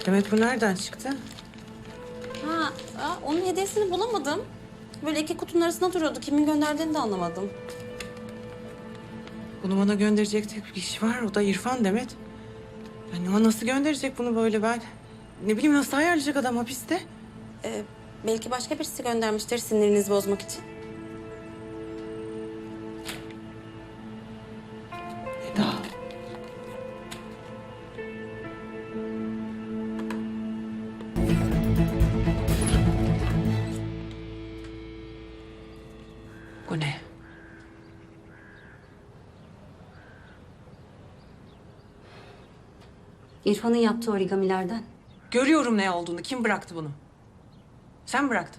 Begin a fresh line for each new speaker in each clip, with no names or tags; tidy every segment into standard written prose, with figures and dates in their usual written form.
Demet bu nereden çıktı?
Onun hediyesini bulamadım. Böyle iki kutunun arasında duruyordu. Kimin gönderdiğini de anlamadım.
Bunu bana gönderecek tek bir kişi var. O da İrfan Demet. Yani o nasıl gönderecek bunu böyle ben? Ne bileyim nasıl ayarlayacak adam hapiste?
Belki başka birisi göndermiştir sinirinizi bozmak için.
Eda. Bu ne?
İrfan'ın yaptığı origamilerden.
Görüyorum ne olduğunu. Kim bıraktı bunu? Sen bıraktın.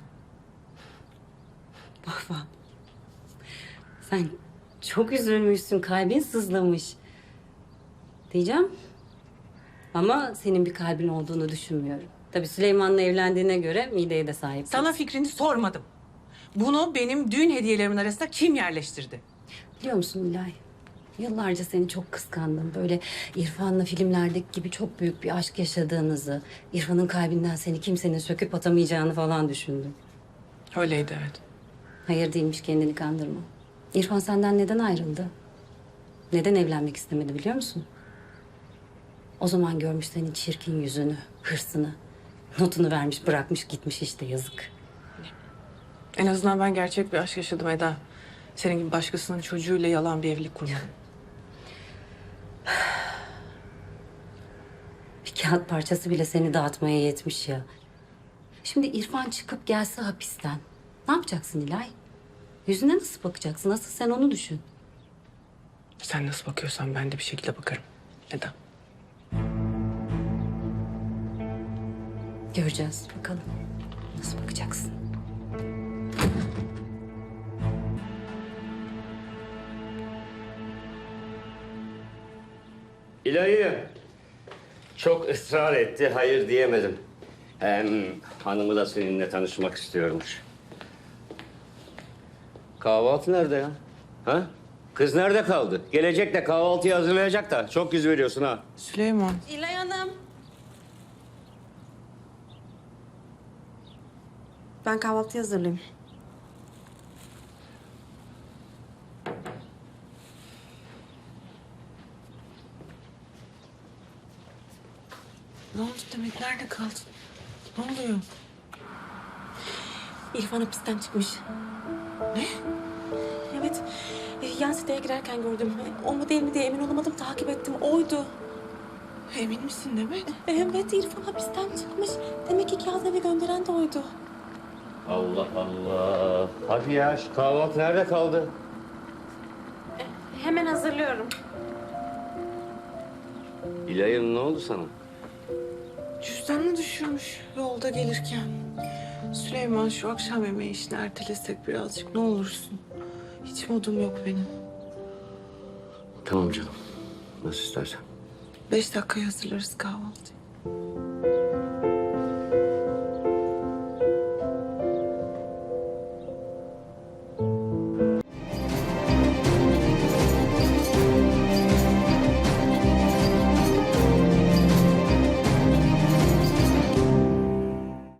Vah. Sen çok üzülmüşsün, kalbin sızlamış. Diyeceğim. Ama senin bir kalbin olduğunu düşünmüyorum. Tabii Süleyman'la evlendiğine göre mideye de sahip.
Sana fikrini sormadım. Bunu benim düğün hediyelerimin arasında kim yerleştirdi?
Biliyor musun Nilay? Yıllarca seni çok kıskandım. Böyle İrfan'la filmlerdeki gibi çok büyük bir aşk yaşadığınızı, İrfan'ın kalbinden seni kimsenin söküp atamayacağını falan düşündüm.
Öyleydi evet.
Hayır değilmiş, kendini kandırma. İrfan senden neden ayrıldı? Neden evlenmek istemedi biliyor musun? O zaman görmüş senin çirkin yüzünü, hırsını. Notunu vermiş, bırakmış, gitmiş işte, yazık.
En azından ben gerçek bir aşk yaşadım Eda. Senin gibi başkasının çocuğuyla yalan bir evlilik kurmadım.
Bir kağıt parçası bile seni dağıtmaya yetmiş ya. Şimdi İrfan çıkıp gelse hapisten. Ne yapacaksın İlay? Yüzüne nasıl bakacaksın? Nasıl, sen onu düşün.
Sen nasıl bakıyorsan ben de bir şekilde bakarım Eda.
Göreceğiz bakalım. Nasıl bakacaksın?
İlahi çok ısrar etti, hayır diyemedim. Hem hanımı da seninle tanışmak istiyormuş. Kahvaltı nerede ya? Ha? Kız nerede kaldı? Gelecek de kahvaltıyı hazırlayacak da çok yüz veriyorsun ha.
Süleyman.
İlay Hanım. Ben kahvaltı hazırlayayım.
Ne oldu Demet? Nerede kaldın? Ne oluyor?
İrfan hapisten çıkmış.
Ne?
Evet. Yan siteye girerken gördüm. O mu değil mi diye emin olamadım. Takip ettim. Oydu.
Emin misin Demet?
Evet, İrfan hapisten çıkmış. Demek ki kağıt eve gönderen de oydu.
Allah Allah. Hadi ya şu kahvaltı nerede kaldı?
Hemen hazırlıyorum.
İlahi ne oldu sana?
Cüzdanını düşürmüş yolda gelirken. Süleyman şu akşam yemeği işini ertelesek birazcık ne olursun. Hiç modum yok benim.
Tamam canım. Nasıl istersen.
5 dakikaya hazırlarız kahvaltıyı.